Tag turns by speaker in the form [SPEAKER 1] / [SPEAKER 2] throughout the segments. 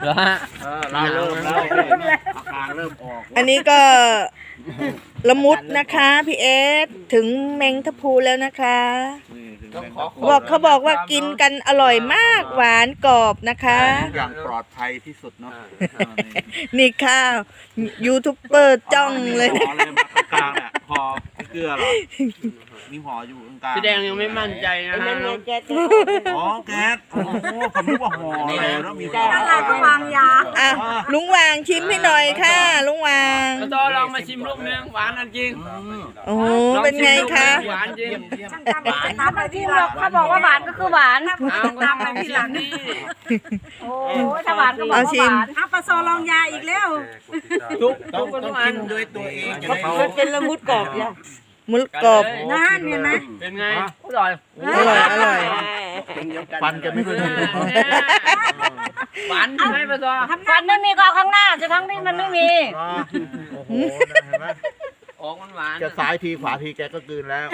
[SPEAKER 1] เหรอฮะ
[SPEAKER 2] เราเริ่มแล้วอาการเริ่มออก
[SPEAKER 3] อันนี้ก็ละมุดนะคะพี่เอสถึงเมงทะพูแล้วนะคะเขาบอกว่ากินกันอร่อยมากหวานกรอบนะคะ
[SPEAKER 2] อย่างปลอดภัยที่สุดเนาะ
[SPEAKER 3] นี่ข้าวยูทูบเบอร์จ้องเลย
[SPEAKER 2] ห่
[SPEAKER 3] นะ
[SPEAKER 2] อเลยมากลางเนี่ยพอเกลือหรอมีห่ออยู่กลาง
[SPEAKER 1] พี่แดงยังไม่มั่นใจนะฮะ
[SPEAKER 2] อ๋อแก๊สโอ้โหผมนึกว่าห่ออะไรแล้วมีห่อ
[SPEAKER 4] อะไรก็วางยา
[SPEAKER 3] อ่ะลุงวางชิมให้หน่อยค่ะลุงวาง
[SPEAKER 1] ก็ต้องลองมาชิมลูกนึงหวานจริง
[SPEAKER 3] โอ้โหเป็นไงคะ
[SPEAKER 1] หวานจริง
[SPEAKER 4] ตามไปที่หลักเขาบอกว่าหวานก็คือหวาน
[SPEAKER 1] เอาตามไปที่หลังนี่
[SPEAKER 4] โอ้ยถ้าหวานก็บอกว่าหวานเอาปลาโซลองยาอีกแล้ว
[SPEAKER 1] ทุก
[SPEAKER 2] ต้อง
[SPEAKER 1] ทุก
[SPEAKER 2] ชิ
[SPEAKER 1] อัน
[SPEAKER 2] มด้วยตัวเองจะ
[SPEAKER 3] มันเป็นละมุดกรอบเนี่ยมุดกรอบ
[SPEAKER 4] นั่นเห็นไหม
[SPEAKER 1] เป็นไงอร่อย
[SPEAKER 3] อร่อยอร่อย
[SPEAKER 2] ฟันกันไม่เคย
[SPEAKER 1] หวานใช่ไหมปะซอ
[SPEAKER 4] ฟันไม่มีก็เอาข้างหน้าจะทั้งนี้มันไม่มี
[SPEAKER 2] โอ้โหเห็นไหม
[SPEAKER 1] ออกหวาน
[SPEAKER 2] จะซ้ายทีขวาทีแกก็กลืนแล้ว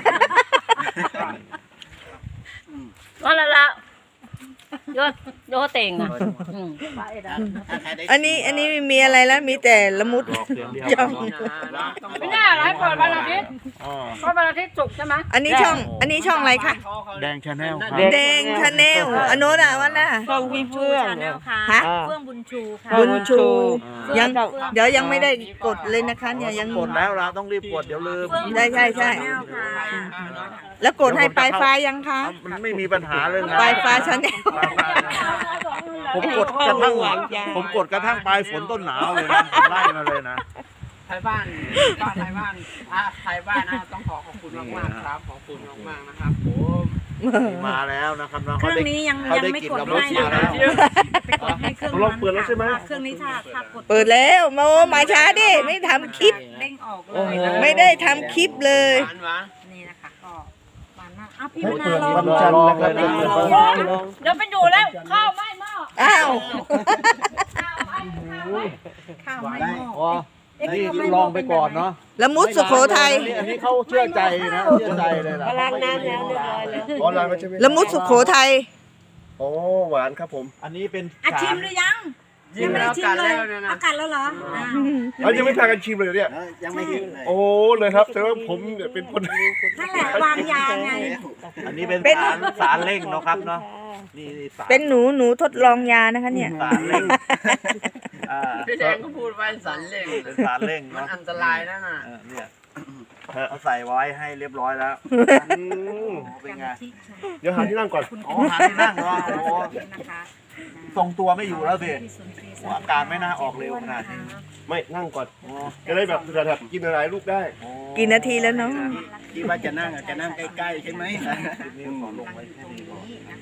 [SPEAKER 4] ก็แล้วละโยเต่งอ่ะ
[SPEAKER 3] อันนี้ไม่มีอะไรแล้วมีแต่ละมุด จ้อง
[SPEAKER 4] ไม่น่าให้เปิดวันอาทิตย์เพราะวันอาทิตย์ศุกร์ใช่ไหม
[SPEAKER 3] อันนี้ช่องอะไรคะ
[SPEAKER 2] แดงชาแนลครับ
[SPEAKER 3] แดงชาแนลอันโน้นอ่ะวันน่ะ
[SPEAKER 4] ช่องพี่เฟื่องค่ะ
[SPEAKER 3] ฮะ
[SPEAKER 4] เฟื่องบุญชูค่ะ
[SPEAKER 3] บุญชูยังเดี๋ยวยังไม่ได้กดเลยนะคะเนี่ยยัง
[SPEAKER 2] กดแล้วเราต้องรีบกดเดี๋ยวลืม
[SPEAKER 3] ใช่ แล้วกดให้ปลายฟ้ายังคะ
[SPEAKER 2] มันไม่มีปัญหาเลยนะ
[SPEAKER 3] ปลายฟ้าชาแนล
[SPEAKER 2] ผมกดกระทั่งปลายฝนต้นหนาวเลยนะไล่มาเลยนะ
[SPEAKER 1] ไทยบ้านไทยบ้านไทยบ้านนะต้องขอบคุณมากๆครับขอบคุณมากๆนะครับผม
[SPEAKER 2] มาแล้วนะครับน้อง
[SPEAKER 4] เครื่องนี้ยัง
[SPEAKER 2] เขาได้
[SPEAKER 4] ไม่
[SPEAKER 2] กิน
[SPEAKER 4] กด
[SPEAKER 2] เรา
[SPEAKER 4] ให้
[SPEAKER 2] มา
[SPEAKER 4] นะ
[SPEAKER 2] แล้ว
[SPEAKER 4] ให้เครื่อง
[SPEAKER 2] ลองเปิดแล้วใช่ไหม
[SPEAKER 4] เครื่องนี้ถ้ากด
[SPEAKER 3] เปิดแล้วมาช้าดิไม่ทำคลิป
[SPEAKER 4] เด้งออกเลย
[SPEAKER 3] ไม่ได้ทำคลิปเลย
[SPEAKER 1] หวานหวาน
[SPEAKER 4] นี่นะคะก็หวานมากอ้าวพี่มะนาวลอง
[SPEAKER 2] วันจันทร์นะครับ
[SPEAKER 4] เดี๋ยวไปดูแล้วข้าวไหม้หม้อ
[SPEAKER 3] อ้าว
[SPEAKER 4] ข้าวไหม้หม้อ
[SPEAKER 2] นี่ลองไปก่อนเนาะ
[SPEAKER 3] ละมุดสุโขทัย
[SPEAKER 2] อันนี้เขาเชื่อใจนะเชื่อใจเลยนะ
[SPEAKER 4] ล้างน้ำแล้วเรียบร้อยแล้ว
[SPEAKER 5] ออนไลน์มาใช่ไหม
[SPEAKER 3] ละมุดสุโขทัย
[SPEAKER 5] โอ้หวานครับผม
[SPEAKER 2] อันนี้เป็น
[SPEAKER 4] อ่ะชิมหรือยัง
[SPEAKER 1] ยิงแล้วกันแล้วเนี่ยนะ
[SPEAKER 4] เอากัดแล้วเหรออ่า
[SPEAKER 5] เอายังไม่พากันชิมเลยเนี่ย
[SPEAKER 2] ยังไม่กินเลย
[SPEAKER 5] โอ้เลยครับแต่ว่าผมเนี่ยเป็นคน
[SPEAKER 4] นั่นแหละวางยาไง
[SPEAKER 2] อันนี้เป็นสารเร่งเนาะครับเนาะนี่สาร
[SPEAKER 3] เป็นหนูทดลองยานะคะเนี่ย
[SPEAKER 2] สารเร่ง
[SPEAKER 1] พี่แดงก็พูดไว้สันเล่ง
[SPEAKER 2] เป็นสารเร่ง
[SPEAKER 1] มัน
[SPEAKER 2] เนาะ
[SPEAKER 1] อันตรายนะน่ะ
[SPEAKER 2] เนี่ยเขาใส่ไว้ให้เรียบร้อยแล้ว
[SPEAKER 5] อืม
[SPEAKER 2] เป็นไง
[SPEAKER 5] เดี๋ยวหาที่นั่งก่อน
[SPEAKER 2] อ๋อหาที่นั่งเนาะโอ้โห
[SPEAKER 4] นะคะ
[SPEAKER 2] ทรงตัวไม่อยู่แล้วสิอาการไม่น่าออกเร็วขนาดนี้
[SPEAKER 5] ไม่นั่งก่อนจะได้แบบแบบกินอะไรลูกได้
[SPEAKER 3] กี่นาทีแล้วเนาะ
[SPEAKER 2] คิดว่าจะนั่งใกล้ๆใช่ไหมนี่ขอลงไว้แค่นี้ก่อน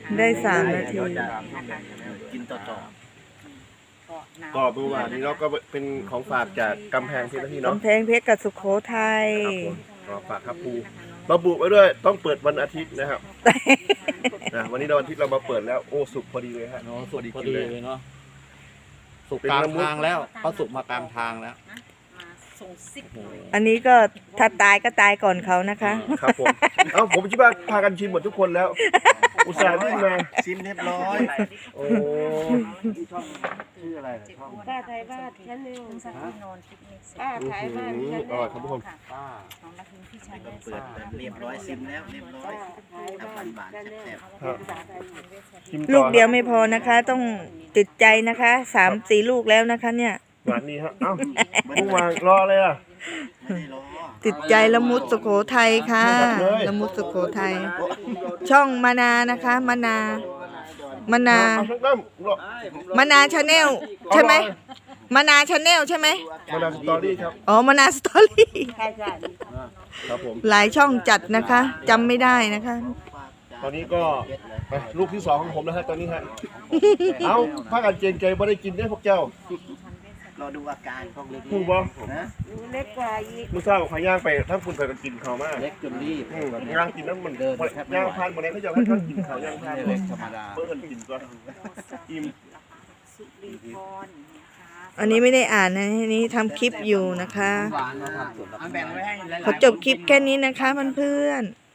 [SPEAKER 3] ได้3 นาที
[SPEAKER 2] กินต่อ
[SPEAKER 5] ก็เมื่อวานนี้เราก็เป็นของฝากจากกำแพงเพชรนะพี่เนาะ
[SPEAKER 3] กำแพงเพชรกับสุโขทัย
[SPEAKER 5] ก็ฝากครับปูระบุไว้ด้วยต้องเปิดวันอาทิตย์นะครับนะวันนี้เราวันอาทิตย์เรามาเปิดแล้วโอ้สุกพอดีเลยฮะ
[SPEAKER 2] เนาะสุกพอดีเลยเนาะสุกกลางทางแล้วเขาสุกมากลางทางแล้ว
[SPEAKER 4] มาส่งซิก
[SPEAKER 3] อันนี้ก็ถ้าตายก็ตายก่อนเขานะคะ
[SPEAKER 5] ครับผมเอ้าผมคิดว่าพากันชิมหมดทุกคนแล้ว อุตส่าห์วิ่งมา
[SPEAKER 2] ชิมเรียบร้อย
[SPEAKER 5] โอ้
[SPEAKER 2] ชื่ออะไรช่อง
[SPEAKER 4] ป้าไทยบ้านชั้นหนึ่งสักที่นอนปิกนิกป้าไทยบ้าน
[SPEAKER 5] อร่อยครับทุกคน
[SPEAKER 2] ป้า
[SPEAKER 4] ของนักพิมพ์พี่ชายได้
[SPEAKER 2] เปิดเรียบร้อยซิมแล้วเรียบร้อยน้ำมันบานแซ่บ
[SPEAKER 5] ชิม
[SPEAKER 3] ลู
[SPEAKER 5] ต่
[SPEAKER 3] ก
[SPEAKER 5] อ
[SPEAKER 3] เดียวไม่พอนะคะ ต้องติดใจนะคะ3-4 ลูกแล้วนะคะ เนี่ย
[SPEAKER 5] หวานนี่ฮะเอ้าเมื่อวานรอเลยอ่ะ
[SPEAKER 2] ๆไม่ได้รอ
[SPEAKER 3] ติดใจละมุดสุโขทัยค่ะ
[SPEAKER 5] เลย
[SPEAKER 3] ละมุดสุโขทัยช่องมานานะคะมานา
[SPEAKER 5] เอาทั้งน้ำรอ
[SPEAKER 3] มานาชาแนลใช่ไหมมานาชาแนลใช่ไหม
[SPEAKER 5] มาดามสตอรี่ครับ
[SPEAKER 3] อ๋อมานาสตอรี่
[SPEAKER 5] ครับผม
[SPEAKER 3] หลายช่องจัดนะคะจำไม่ได้นะคะ
[SPEAKER 5] ตอนนี้ก็ลูกที่2ของผมแล้วฮะตอนนี้ฮะเอ้าพากันเจนใจบ่ได้กินได้อพวกเจ้าร
[SPEAKER 2] อดูอาการของเล็ก
[SPEAKER 5] พูดบ่
[SPEAKER 2] นะ
[SPEAKER 4] เล็กกว่าอีก
[SPEAKER 5] มื้อเช้าขอย่างไปถ้าคุณไปกันกินข้าวมาก
[SPEAKER 2] เล็กจนรีบ
[SPEAKER 5] ย่างกินน้ำมันย่างพานบ่ได้เขาจะให้ท่านกินข้าวย่างพาน
[SPEAKER 2] เล็กธรรมดา
[SPEAKER 5] เพิ่นกินก็อิ่ม
[SPEAKER 4] สุรีพรนะคะ
[SPEAKER 3] อันนี้ไม่ได้อ่านนะอันนี้ทำคลิปอยู่นะคะ
[SPEAKER 1] หวานนะครับเอาแบ่งไว้ให้หลายๆ
[SPEAKER 3] ขอจบคลิปแค่นี้นะคะเพื่อนๆ